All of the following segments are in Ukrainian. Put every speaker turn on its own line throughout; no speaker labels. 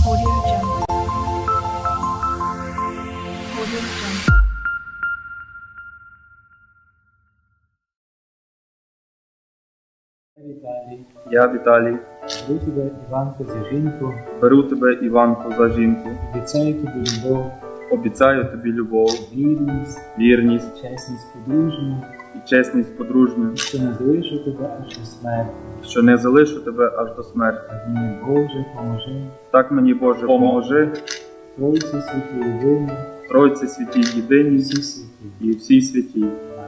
Audio Jungle. Audio Jungle.
Віталій,
Я, Віталій,
беру тебе, Іванко, за жінку,
беру тебе, Іванко, за жінку,
обіцяю тобі любов,
обіцяю тобі любов, вірність
чесність подружню,
і чесність подружню,
що не залишу тебе аж до смерті.
що не залишу тебе аж до смерті.
Так мені, Боже, поможи,
Так мені, Боже, поможи,
Тройці святі єдині,
Тройці святій єдиній
всі святі.
і всій святій.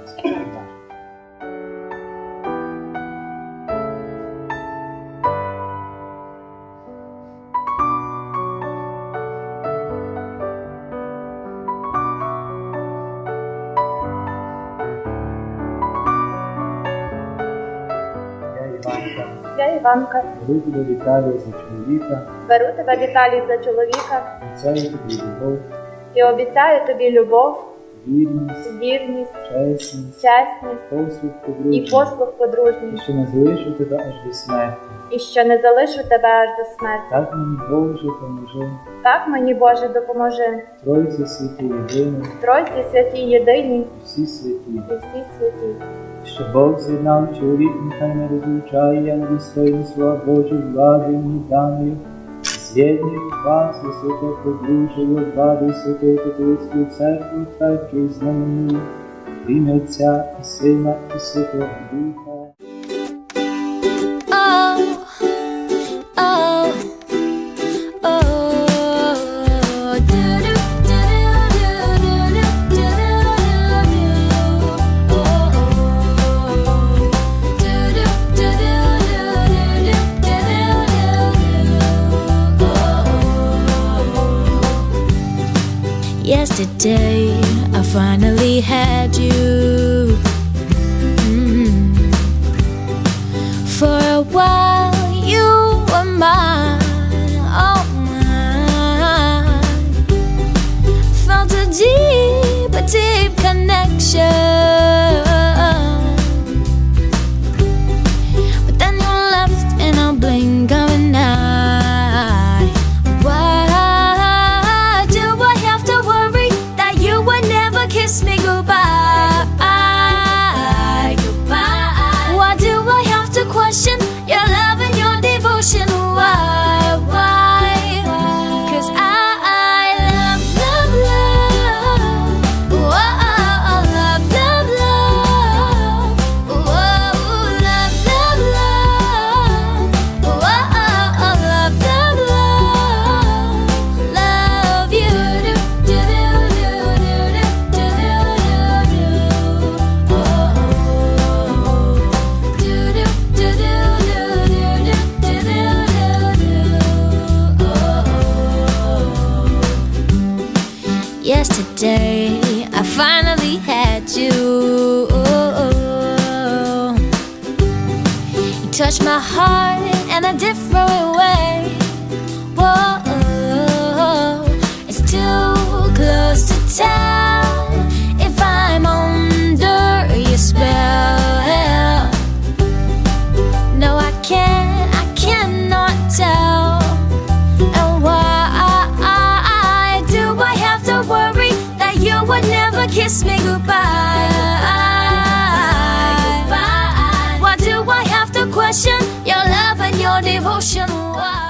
Я, Іванка,
Я Іванка,
беру тебе, Віталію, за чоловіка,
беру тебе, Віталій, за чоловіка
обіцяю тобі любов,
і обіцяю тобі любов,
вірність,
чесність,
послуг
і
подружню,
послуг подружній,
і що не залишу тебе аж до смерті.
і що не залишу тебе аж до смерті.
Так мені, Боже, поможи,
Так мені, Боже, допоможи.
Тройці святі єдині,
Тройці святі єдині
всі святі.
і всі святі.
Що Бог з'єднав, чоловік нехай не розлучає, я недостойний слова Божої влади мені даною. З'єднує вас, високе подружжя, влади Святої Католицької Церкви, тверджую знаменую, в ім'я Отця і Сина і Святого Духа.
Yesterday, I finally had you. For a while, you were mine, oh mine. Felt a deep connection. But then you left in a blink of an eye. Why do I have to worry that you would never kiss me goodbye? Why do I have to question your love and your devotion? Why? 'Cause I love, love, love. Whoa, love, love, love. Whoa, love, love, love. Whoa, love, love, love. Love you. Do, do, do, do, do, do, do, do. Oh. Do, do, do, do, do, do, do, do, do. Oh. Yesterday, I finally had you. You touched my heart in a different way. Whoa, it's too close to tell if I'm under your spell. No, I cannot tell. And why do I have to worry that you would never kiss me goodbye? Why do I have to question your love and your devotion? Why?